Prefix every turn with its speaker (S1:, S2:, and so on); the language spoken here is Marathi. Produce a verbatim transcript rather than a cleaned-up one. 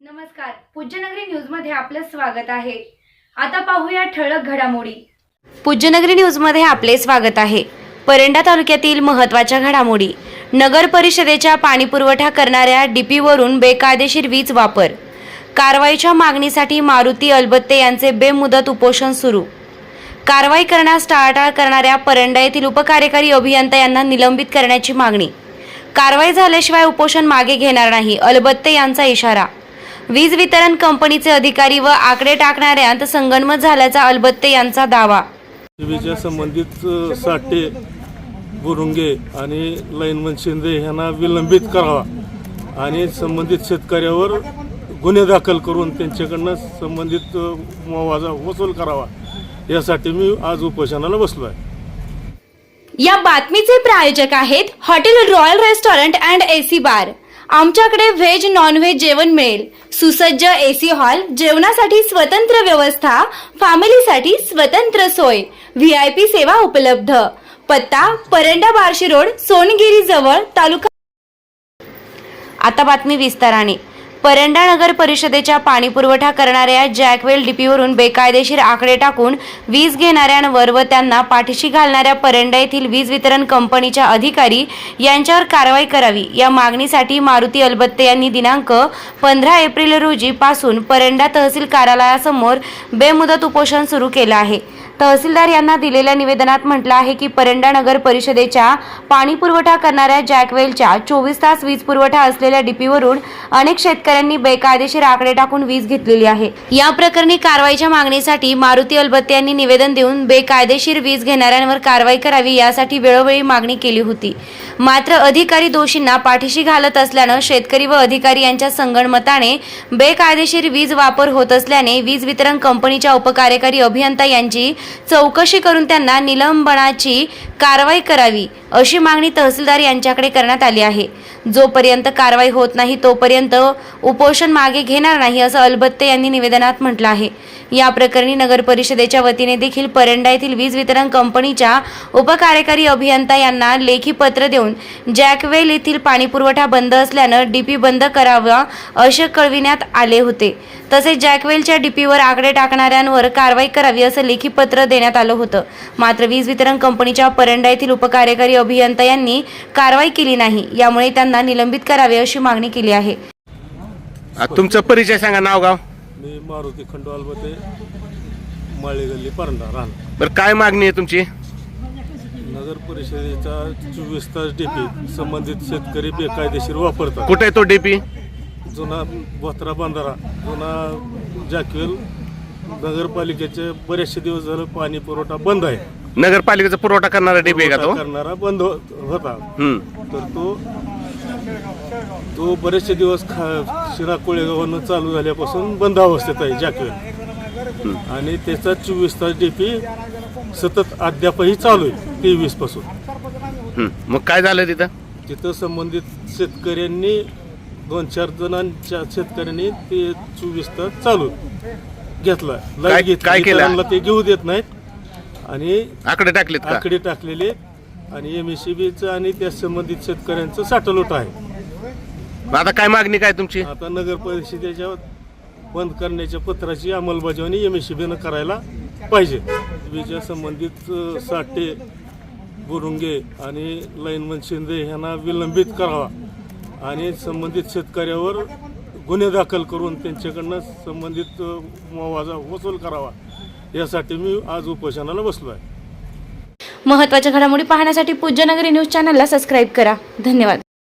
S1: नमस्कार, पूज्यनगरी न्यूज मध्ये आपलं स्वागत आहे। आता पाहूया ठळक घडामोडी। पूज्यनगरी न्यूज मध्ये आपले स्वागत आहे। परंडा तालुक्यातील महत्त्वाच्या घडामोडी। नगर परिषदेच्या पाणीपुरवठा करणाऱ्या डीपी वरून बेकायदेशीर वीज वापर, कारवाईच्या मागणीसाठी मारुती अलबत्ते यांचे बेमुदत उपोषण सुरू। कारवाई करण्यास टाळाटाळ करणाऱ्या परंडा येथील उपकार्यकारी अभियंता यांना निलंबित करण्याची मागणी। कारवाई झाल्याशिवाय उपोषण मागे घेणार नाही, अलबत्ते यांचा इशारा। वीज वितरण कंपनीचे अधिकारी व आकडे टाकणाऱ्यांत संगनमत झाल्याचा अलबत्ते यांचा दावा।
S2: वीजच्या संबंधित साठे, बुरुंगे आणि लाईनमन शिंदे यांना विलंबित करावा आणि संबंधित शेतकऱ्यावर गुन्हे दाखल करून त्यांच्याकडून संबंधित मुआवजा वसूल करावा, यासाठी मी आज उपोषणाला बसलो आहे।
S1: या बातमीचे प्रायोजक आहेत hotel royal restaurant and AC bar. आमच्याकडे व्हेज नॉन व्हेज जेवण मिळेल। सुसज्ज एसी हॉल, जेवणासाठी स्वतंत्र व्यवस्था, फॅमिलीसाठी स्वतंत्र सोय, व्हीआयपी सेवा उपलब्ध। पत्ता परंडा बार्शी रोड, सोनगिरी जवळ, तालुका। आता बातमी विस्ताराने। परंडा नगर परिषदेच्या पाणीपुरवठा करणाऱ्या जॅकवेल डीपीवरून बेकायदेशीर आकडे टाकून वीज घेणाऱ्यांवर व त्यांना पाठीशी घालणाऱ्या परंडा येथील वीज वितरण कंपनीच्या अधिकारी यांच्यावर कारवाई करावी, या मागणीसाठी मारुती अलबत्ते यांनी दिनांक पंधरा एप्रिल रोजी पासून परंडा तहसील कार्यालयासमोर बेमुदत उपोषण सुरू केलं आहे। तहसीलदार यांना दिलेल्या निवेदनात म्हटलं आहे की परंडा नगर परिषदेच्या पाणीपुरवठा करणाऱ्या जॅकवेलच्या चोवीस तास वीज पुरवठा असलेल्या डीपीवरून अनेक शेतकऱ्यांनी बेकायदेशीर आकडे टाकून वीज घेतलेली आहे। या प्रकरणी कारवाईच्या मागणीसाठी मारुती अलबत्ते यांनी निवेदन देऊन बेकायदेशीर वीज घेणाऱ्यांवर कारवाई करावी यासाठी वेळोवेळी मागणी केली होती। मात्र अधिकारी दोषींना पाठीशी घालत असल्यानं शेतकरी व अधिकारी यांच्या संगनमताने बेकायदेशीर वीज वापर होत असल्याने वीज वितरण कंपनीच्या उपकार्यकारी अभियंता यांची चौकशी करून त्यांना निलंबनाची कारवाई करावी, अशी मागणी तहसीलदार यांच्याकडे करण्यात आली आहे। जोपर्यंत कारवाई होत नाही तोपर्यंत उपोषण मागे घेणार नाही, असं अलबत्ते यांनी निवेदनात म्हटलं आहे। या प्रकरणी नगर परिषदेच्या वतीने देखील परंडा येथील वीज वितरण कंपनीच्या उपकार्यकारी अभियंता यांना लेखी पत्र देऊन जॅकवेल येथील पाणीपुरवठा बंद असल्यानं डीपी बंद करावा असे कळविण्यात आले होते। तसेच जॅकवेलच्या डीपीवर आकडे टाकणाऱ्यांवर कारवाई करावी असं लेखी पत्र देण्यात आलं होतं। मात्र वीज वितरण कंपनीच्या परंडा येथील उपकार्यकारी अभियंता यांनी कारवाई केली नाही, यामुळे त्यांना निलंबित करावे अशी मागणी केली आहे।
S3: तुमचा परिचय सांगा, नाव गाव।
S2: मी मारुती खंडू अलबत्ते, माळी गल्ली, परंडा राहण।
S3: बरं, काय मागणी आहे तुमची?
S2: नगर परिषदेचा चोवीस तास डीपी संबंधित शेतकरी बेकायदेशीर वापरतात।
S3: कुठे आहे तो डीपी?
S2: जुना बोत्रा बंधारा, जुना जॅकवेल नगरपालिकेचे बरेचसे दिवस झाले पाणी पुरवठा बंद आहे।
S3: नगरपालिकेचा पुरवठा करणारा डीपी आहे का तो?
S2: करणारा बंद होता।
S3: हम्म.
S2: तर तो तो बरेचसे दिवस शिरा कोळेगावानं चालू झाल्यापासून बंद अवस्थेत आहे जॅकवेल, आणि त्याचा चोवीस तास डीपी सतत अद्यापही चालू आहे तेवीस पासून।
S3: मग काय झालं तिथं?
S2: तिथं संबंधित शेतकऱ्यांनी दोन चार जणांच्या शेतकऱ्यांनी ते चोवीस तास चालू घेतला, लाईट
S3: काय केलं?
S2: ते घेऊ देत नाहीत आणि
S3: आकडे टाकलेत का?
S2: आकडे टाकलेले आणि एमएससीबीचं आणि त्या संबंधित शेतकऱ्यांचं साठवलोट आहे।
S3: आता काय मागणी काय तुमची?
S2: आता नगर परिषदेच्या बंद करण्याच्या पत्राची अंमलबजावणी एमएससीबीनं करायला पाहिजे। वीजच्या संबंधित साठे, बुरुंगे आणि लाईनमन शिंदे यांना विलंबित करावा आणि संबंधित शेतकऱ्यावर गुन्हे दाखल करून त्यांच्याकडून संबंधित मुआवजा वसूल करावा, यासाठी मी आज उपोषणाला बसलो आहे।
S1: महत्त्वाच्या घडामोडी पाहण्यासाठी पूज्यनगरी न्यूज चॅनलला सबस्क्राईब करा। धन्यवाद।